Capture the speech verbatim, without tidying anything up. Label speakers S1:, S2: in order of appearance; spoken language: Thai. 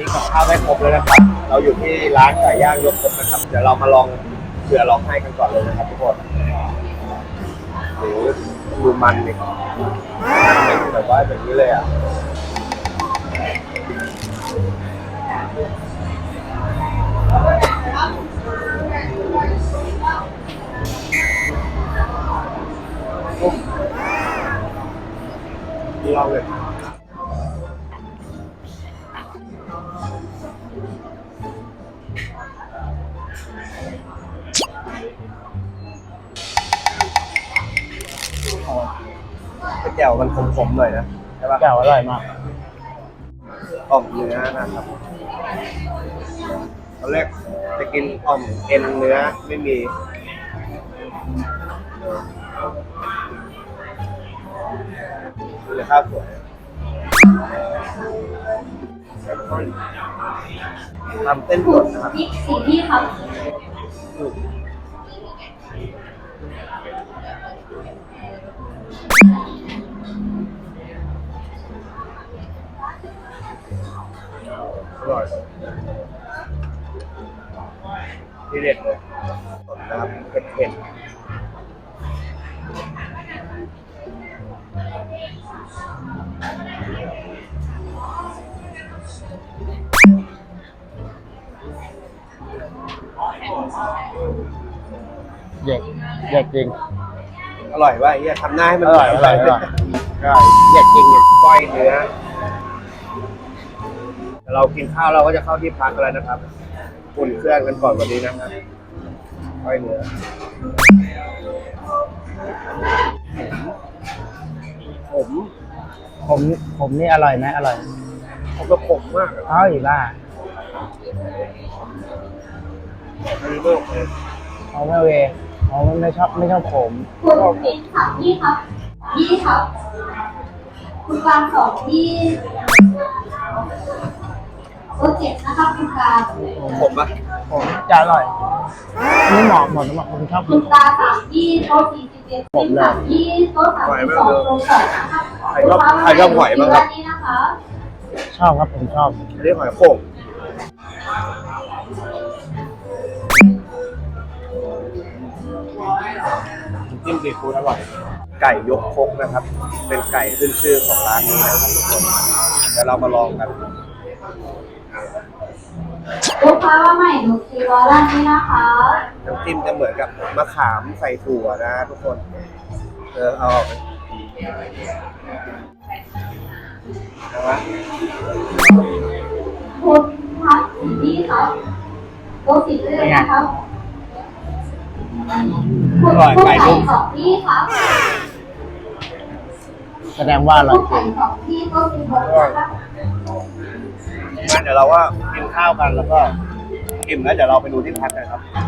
S1: กับข้าวได้ครบเลยนะครับเราอยู่ที่ร้านไก่ย่างยกครกนะครับเดี๋ยวเรามาลองเผื่อลองให้กันก่อนเลยนะครับทุกคนโอ้โหดูมันดิเป็นแบบว่าแบบนี้เลยอ่ะลองเลยแจ่วมันขมๆหน่อยนะใช่ป่ะ
S2: แจ่วอร่อยมาก
S1: อ่อมเนื้อนะครับตอนแรกจะกินอ่อมเอ็นเนื้อไม่มีดูเลยข้าวสวยทำเต้นสดนะครับ
S3: นี่สีที่ครับ
S1: อร่อยที่เด็ดเลยสดนะครับเผ็ดๆ
S2: เด็กเด็กจริง
S1: อร่อยว่ะเฮียทำหน้าให้มัน
S2: อร่อยอร่อยอร่อย
S1: ใช่เด็ดจริงเนี่ยก้อยเนื้อเรากินข้าวเราก็จะเข้าที่พักแล้วนะครับอุ่นเครื่องกันก่อนวันนี้นะครับก้อยเนื้อผม
S2: ผมผมนี่อร่อยไหมอร่อย
S1: ผมก็ขมมาก
S2: อ้าวอีบ้า
S1: ดีมากเลย
S2: เอาไม่เวเอาไม่ชอบไม่ชอบผม
S3: คุณเองค่ะยี่ครับยี่ครับคุณกลางสองยี่โปรเจกต์นะครับคุณกลาง
S1: ผมปะ
S2: ผมจะอร่อยนี่เหมาะหมดสำหรับคนชอบ
S3: คุณตาสามยี่โต๊ะสี่สิบเอ็ดผมสามยี่โต๊ะสามสิบสองโต๊ะสองนะครับ
S1: ใครชอบใครชอบหอยบ้างครับ
S2: ชอบครับผมชอบ
S1: เรียกหอยโข่งจิ้มซีฟู้ดอร่อยไก่ยกครกนะครับเป็นไก่ขึ้นชื่อของร้านนี้นะครับทุกคนเดี๋ยวเรามาลองกัน
S3: ลูกค้าว่าใหม่หนูซีวอร้านนี้นะคะ
S1: น้ำจิ้มจะเหมือนกับมะขามใส่ถั่วนะทุกคนเออเอาออกนะ
S3: คุณพัดสีนี้ครับโต๊ะสีเลือดนะครับ
S1: อร่อยไก่นุ่ม
S3: สองที่ครับ
S2: แสดงว่าอร่อยจริง
S3: สองที่โต๊ะสีหกนะครับ
S1: งั้นเดี๋ยวเราว่ากินข้าวกันแล้วก็อิ่มแล้วเดี๋ยวเราไปดูที่พักกันครับ